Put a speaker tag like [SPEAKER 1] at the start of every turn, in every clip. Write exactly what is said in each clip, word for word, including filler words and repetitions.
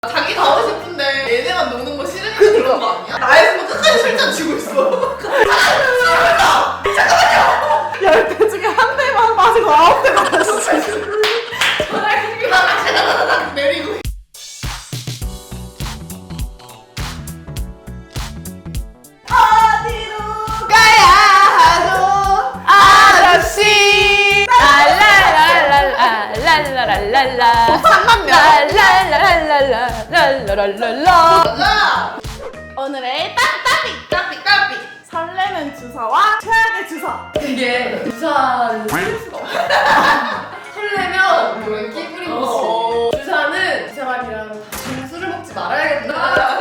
[SPEAKER 1] 자기가 하고 싶은데 얘네만 노는 거 싫으니까 그런 거 아니야? 나였으면 끝까지 술잔 쥐고 있어. 잠깐만요.
[SPEAKER 2] 열 대 중에 한 대만 마시고 아홉 대 마셨어.
[SPEAKER 1] 전화기 나가다가 내리고.
[SPEAKER 2] 어디로 가야 하죠 아저씨.
[SPEAKER 3] 랄랄랄랄랄랄랄라
[SPEAKER 2] 삼만 명.
[SPEAKER 3] 랄랄랄랄랄랄랄랄랄라.
[SPEAKER 1] 맞아.
[SPEAKER 2] 오늘의 따따비
[SPEAKER 1] 까삐 까삐.
[SPEAKER 2] 설레는 주사와 최악의 주사.
[SPEAKER 3] 이게 주사는 쓸 수가 없어. 설레면 뭐 끼부린 거지. 주사는 이 사람이랑 다시 술을 먹지 말아야겠다.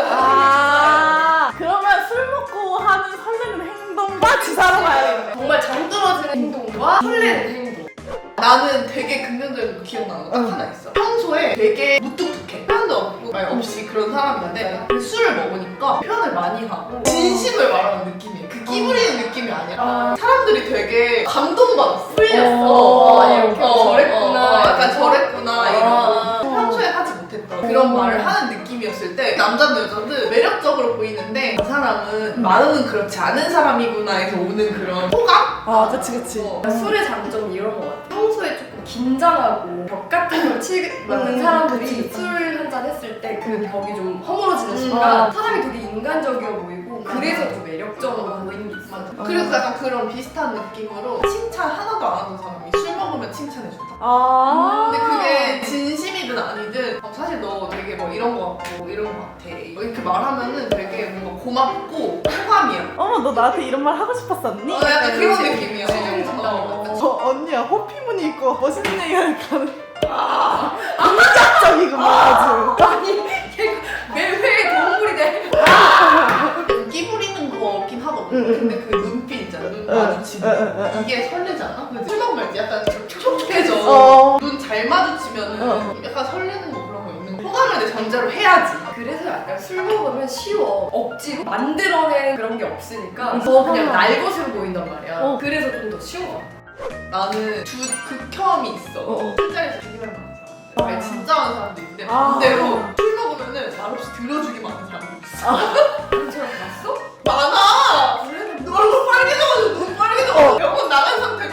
[SPEAKER 2] 아 그러면 술 먹고 하는 설레는 행동과 주사로 가야겠네.
[SPEAKER 3] 정말 정떨어지는 행동과 설레는 행동.
[SPEAKER 1] 나는 되게 긍정적인 거 기억나는 거 딱 하나 있어. 평소에 되게 무뚝뚝해. 표현도 없고 말 없이 그런 사람인데 술을 먹으니까 표현을 많이 하고 진심을 말하는 느낌이야. 그 끼부리는 느낌이 아니라 사람들이 되게 감동받았어. 풀렸어.
[SPEAKER 2] 어,
[SPEAKER 3] 아, 이렇게 저랬구나.
[SPEAKER 1] 어, 어, 약간 저랬구나
[SPEAKER 3] 아.
[SPEAKER 1] 이러고 평소에 하지 못했던 그런 말을 하는 느낌이었을 때 남자든 여자든 매력적으로 보이는데 그 사람은 마음은 그렇지 않은 사람이구나 해서 오는 그런 호감?
[SPEAKER 2] 아 그치 그치.
[SPEAKER 1] 어.
[SPEAKER 3] 술의 장점이 이런 것 같아. 평소에 조금 긴장하고 벽 같은 걸 치는 사람들이 술 한 잔 했을 때 그 벽이 좀 허물어지는 순간
[SPEAKER 2] 음.
[SPEAKER 3] 사람이 되게 인간적이어 보이고 그래서 좀 매력적으로 보이는 게 있어.
[SPEAKER 1] 맞아. 그리고 약간 그런 비슷한 느낌으로 칭찬 하나도 안 하는 사람이 술 먹으면 칭찬해준다.
[SPEAKER 2] 아
[SPEAKER 1] 근데 그게 진심이든 아니든 어, 사실 너 되게 뭐 이런 거 같고 이런 거 같아 뭐 이렇게 말하면은 되게 뭔가 고맙고 호감이야.
[SPEAKER 2] 어머 너 나한테 이런 말 하고 싶었었니?
[SPEAKER 1] 어, 약간 그런
[SPEAKER 3] 그치.
[SPEAKER 1] 느낌이야.
[SPEAKER 3] 진정진정.
[SPEAKER 1] 어.
[SPEAKER 2] 저 언니야 호피무늬 있고 멋있는 얘기하니까 긍정적이구만 아주.
[SPEAKER 3] 아니 걔가 매회의 동물이 돼.
[SPEAKER 1] 끼 부리는 거긴 하거든.
[SPEAKER 2] 응, 응,
[SPEAKER 1] 근데 그 눈빛 있잖아. 눈
[SPEAKER 2] 응,
[SPEAKER 1] 마주치는
[SPEAKER 2] 응, 응, 응.
[SPEAKER 1] 이게 설레잖아. 근데 술 먹으면 이제 약간 촉촉해져.
[SPEAKER 2] 어.
[SPEAKER 1] 눈 잘 마주치면은
[SPEAKER 2] 어.
[SPEAKER 1] 약간 설레는 거 그런 거 있는 거. 호감을 내 전제로 해야지.
[SPEAKER 3] 그래서 약간 술 먹으면 쉬워. 억지로 만들어낸 그런 게 없으니까 더 그냥 날 것으로 보인단 말이야.
[SPEAKER 2] 어.
[SPEAKER 3] 그래서 좀 더 쉬운 것 같아.
[SPEAKER 1] 나는 두 극혐이 있어.
[SPEAKER 2] 어, 어.
[SPEAKER 1] 술자리에서 되게 많은 사람.
[SPEAKER 2] 아.
[SPEAKER 1] 아니, 진짜 많은 사람도 있는데
[SPEAKER 2] 아.
[SPEAKER 1] 반대로 술 먹으면은 말없이 들어주기만 하는 사람도 있어.
[SPEAKER 3] 그런 사람 봤어?
[SPEAKER 1] 많아.
[SPEAKER 3] 그래?
[SPEAKER 1] 너 얼굴 빨개져가지고 눈 빨개져가지고 몇번 나간 상태로.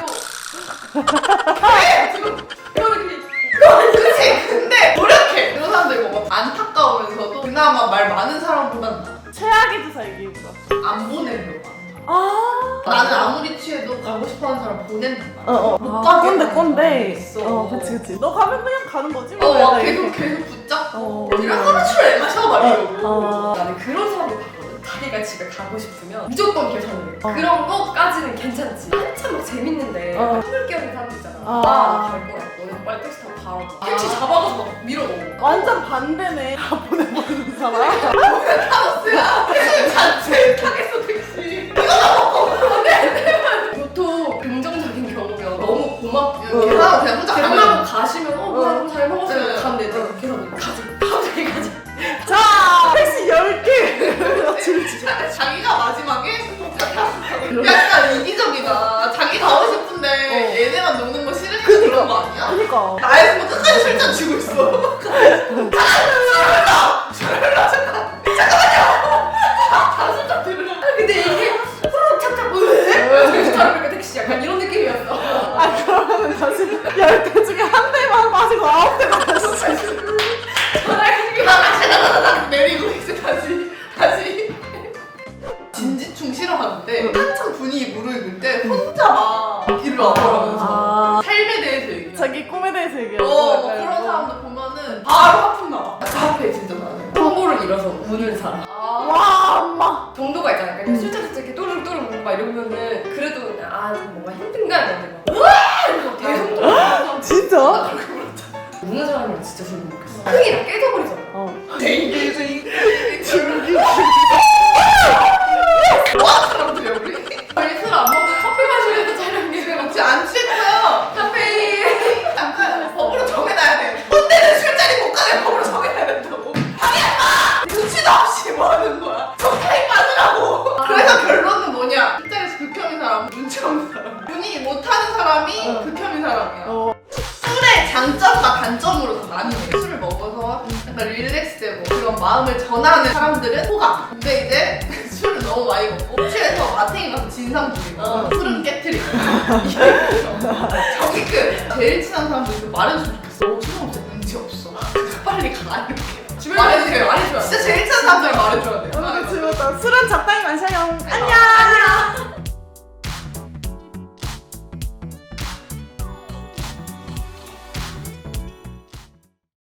[SPEAKER 1] 왜? 지금
[SPEAKER 3] 이거는
[SPEAKER 1] 그치? 근데 노력해. 그런 사람들 뭔가 안타까우면서도 그나마 말 많은 사람보단 나아.
[SPEAKER 2] 최악의 주사 얘기해보자.
[SPEAKER 1] 안 보내려고.
[SPEAKER 2] 아
[SPEAKER 1] 나는 아무리 취해도 가고 싶어하는 사람 보낸단 말이야.
[SPEAKER 2] 어어
[SPEAKER 1] 못
[SPEAKER 2] 아,
[SPEAKER 1] 가게
[SPEAKER 2] 꼰대
[SPEAKER 1] 하는
[SPEAKER 2] 꼰대.
[SPEAKER 1] 사람이 있어.
[SPEAKER 2] 어 그치 그치. 너 가면 그냥 가는 거지
[SPEAKER 1] 어,
[SPEAKER 2] 뭐.
[SPEAKER 1] 막
[SPEAKER 2] 약간
[SPEAKER 1] 계속
[SPEAKER 2] 이렇게.
[SPEAKER 1] 계속 붙잡고
[SPEAKER 2] 어.
[SPEAKER 1] 이런 하루 술을 마셔 막 이러고.
[SPEAKER 2] 어.
[SPEAKER 3] 나는 그런 사람들 봤거든. 자기가 집에 가고 싶으면 무조건 계산을 해.
[SPEAKER 2] 어.
[SPEAKER 3] 그런 것까지는 괜찮지. 한참 막 재밌는데
[SPEAKER 2] 어.
[SPEAKER 3] 한물 끼어있는 사람들 있잖아.
[SPEAKER 2] 어.
[SPEAKER 3] 나갈 거야. 너네 빨리 택시 타고 가라고. 택시 잡아가서 막 밀어 넣어.
[SPEAKER 2] 완전 반대네. 다 보내버리는 사람.
[SPEAKER 1] 타노스야. 택시 자체 타겠어 택시.
[SPEAKER 3] 보통 긍정적인 경우면 너무 고맙고
[SPEAKER 1] 계산하고 그냥 혼자
[SPEAKER 3] 계산하고
[SPEAKER 1] 가면.
[SPEAKER 3] 가시면 어 뭐야 좀 잘 먹었어요.
[SPEAKER 1] 네.
[SPEAKER 3] 가면 되지. 계산 가지. 갑자기 가지.
[SPEAKER 2] 자 택시 열 개. 줄지.
[SPEAKER 1] 자기가 마지막에 약간 이기적이다. 자기 가고 싶은데
[SPEAKER 2] 어.
[SPEAKER 1] 얘네만 노는 거 싫으니까 그런 거 아니야?
[SPEAKER 2] 그니까.
[SPEAKER 1] 나였으면 끝까지 술잔 쥐고 있어. 다술잔 들으려.
[SPEAKER 3] 근데 이게 후루룩 착착 왜? 정신 차려보니까 택시 약간 이런 느낌이었어.
[SPEAKER 2] 아 그러면은 다시 열 대 중에 한 대만 마시고 아홉 대 마셨어.
[SPEAKER 3] 전화기
[SPEAKER 1] 나가다가 내리고 이제 다시 다시 진지충 싫어하는데 한참 분위기 무르익을 때 혼자 막 길을 와버리면서
[SPEAKER 2] 아
[SPEAKER 1] 삶에 대해서 얘기해.
[SPEAKER 2] 자기 꿈에 대해서 얘기하고.
[SPEAKER 1] 어, 뭐 그런 사람들 보면은 바로 하품 나와. 답답해 진짜 나는.
[SPEAKER 3] 통보를 잃어서 우는 사람.
[SPEAKER 1] 아,
[SPEAKER 2] 와 엄마.
[SPEAKER 3] 정도가 있잖아. 그러니까
[SPEAKER 2] 음.
[SPEAKER 3] 술자리 이렇게 또르륵또르륵 먹고 막 이러면은 그래도 그냥 아 좀 뭔가 힘든가 이러는데 막 으아! 이러면서 대성통 하는
[SPEAKER 2] 진짜?
[SPEAKER 1] 나 그렇게 물었잖아.
[SPEAKER 3] 우는 사람이랑 진짜 술 못 먹겠어. 흥이 다 깨져버리잖아.
[SPEAKER 2] 어.
[SPEAKER 1] 뭐 하는 사람들이야 우리?
[SPEAKER 3] 저희 술안 먹고 커피 마시면서 촬영해.
[SPEAKER 1] 혹시 안 취했어요?
[SPEAKER 3] 카페인.
[SPEAKER 1] 약간 법으로 정해놔야 돼. 혼내는 술자리 못 가게 법으로 정해놔야 된다고. 방해하지 마! 눈치도 없이 뭐 하는 거야? 적당히 빠지라고. 그래서 결론은 뭐냐? 술자리에서 극혐인 사람, 눈치 없는 사람. 분위기 못하는 사람이
[SPEAKER 2] 어.
[SPEAKER 1] 극혐인 사람이야.
[SPEAKER 2] 어.
[SPEAKER 1] 술의 장점과 단점으로 다 나뉘네. 술을 먹어서 약간 릴렉스 이런 마음을 전하는 사람들은 호감. 근데 이제 술을 너무 많이 먹고 취해서 마탱이 가서 진상 부리고
[SPEAKER 3] 어.
[SPEAKER 1] 술은 깨트리고 이게 저기 끝. 제일 친한 사람들도 말해주면 좋겠어. 너 술 없어? 눈치 없어. 빨리 가 이렇게. 말해주세요.
[SPEAKER 3] 말해줘요.
[SPEAKER 1] 진짜 제일 친한 사람들 말해줘야 돼요.
[SPEAKER 2] 어, 그치, 맞다. 술은 적당히 마셔요. 안녕.
[SPEAKER 1] 안녕.